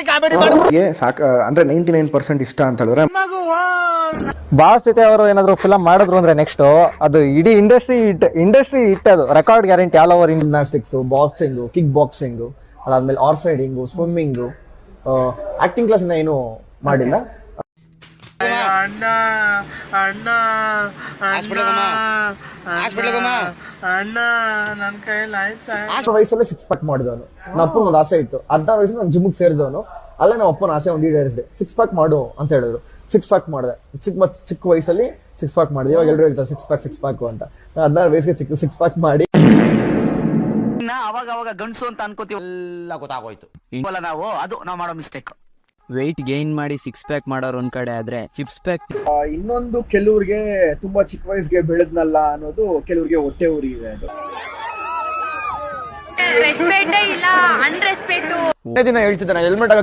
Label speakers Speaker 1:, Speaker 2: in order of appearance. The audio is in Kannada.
Speaker 1: ಅಂದ್ರೆ 99% ಇಷ್ಟ ಅಂತ ಹೇಳಿದ್ರೆ
Speaker 2: ಬಾಸ್ ಜೊತೆ ಅವರು ಏನಾದ್ರು ಫಿಲಮ್ ಮಾಡಿದ್ರು ಅಂದ್ರೆ ನೆಕ್ಸ್ಟ್ ಅದು ಇಡೀ ಇಂಡಸ್ಟ್ರಿ ಹಿಟ್ ಅದು record guarantee all over. Gymnastics, boxing, kick boxing, ಅದಾದ್ಮೇಲೆ horse riding, swimming, acting class ಏನು ಮಾಡಿಲ್ಲ.
Speaker 3: ಅಣ್ಣ ಅಣ್ಣ ಅಣ್ಣ ನನ್ ಕೈಯಲ್ಲಿ ಆಯ್ತಾ
Speaker 2: ವಯಸ್ಸಲ್ಲೇ ಸಿಕ್ಸ್ ಪ್ಯಾಕ್ ಮಾಡಿದವನು. ನಮ್ಮ ಅಪ್ಪನ ಒಂದು ಆಸೆ ಇತ್ತು, 16 ವಯಸ್ಸಲ್ಲಿ ನಾನು ಜಿಮ್ಗೆ ಸೇರಿದವನು. ಅಲ್ಲೇ ನಮ್ಮ ಅಪ್ಪನ ಆಸೆ ಒಂದು ಈಡೇರಿಸಿದೆ, ಸಿಕ್ಸ್ ಪ್ಯಾಕ್ ಮಾಡು ಅಂತ ಹೇಳಿದ್ರು. ಸಿಕ್ಸ್ ಪ್ಯಾಕ್ ಮಾಡಿದೆ. ಚಿಕ್ಕ ವಯಸ್ಸಲ್ಲಿ ಸಿಕ್ಸ್ ಪ್ಯಾಕ್ ಮಾಡಿದೆ. ಇವಾಗ ಎಲ್ಲರೂ ಹೇಳ್ತಾರೆ ಸಿಕ್ಸ್ ಪ್ಯಾಕ್ ಅಂತ. 16 ವಯಸ್ಸಿಗೆ ಸಿಕ್ಸ್ ಪ್ಯಾಕ್ ಮಾಡಿ
Speaker 4: ಅವಾಗ ಗಂಡಸು ಅಂತ ಅನ್ಕೋತೀವಿ, ಎಲ್ಲ ಗೊತ್ತಾಗೋಯ್ತು. ನಾವು ಅದು ನಾವು ಮಾಡೋ ಮಿಸ್ಟೇಕ್.
Speaker 5: ವೆಯ್ಟ್ ಗೈನ್ ಮಾಡಿ ಸಿಕ್ಸ್ ಪ್ಯಾಕ್ ಮಾಡೋರು ಒಂದ್ ಕಡೆ ಆದ್ರೆ ಚಿಪ್ಸ್ ಪ್ಯಾಕ್
Speaker 6: ಇನ್ನೊಂದು ಕೆಲವ್ರಿಗೆ ತುಂಬಾ ಚಿಕ್ಕ ವಯಸ್ಸಿಗೆ ಬೆಳೆದ್ನಲ್ಲ ಅನ್ನೋದು ಕೆಲವ್ರಿಗೆ ಹೊಟ್ಟೆ ಉರಿ ಇದೆ. ಅದು
Speaker 7: ರೆಸ್ಪೆಕ್ಟೇ ಇಲ್ಲ, ಅನ್ರೆಸ್ಪೆಕ್ಟು.
Speaker 2: ದಿನ ಹೇಳ್ತಿದ್ದೆ ನಾನು ಹೆಲ್ಮೆಟ್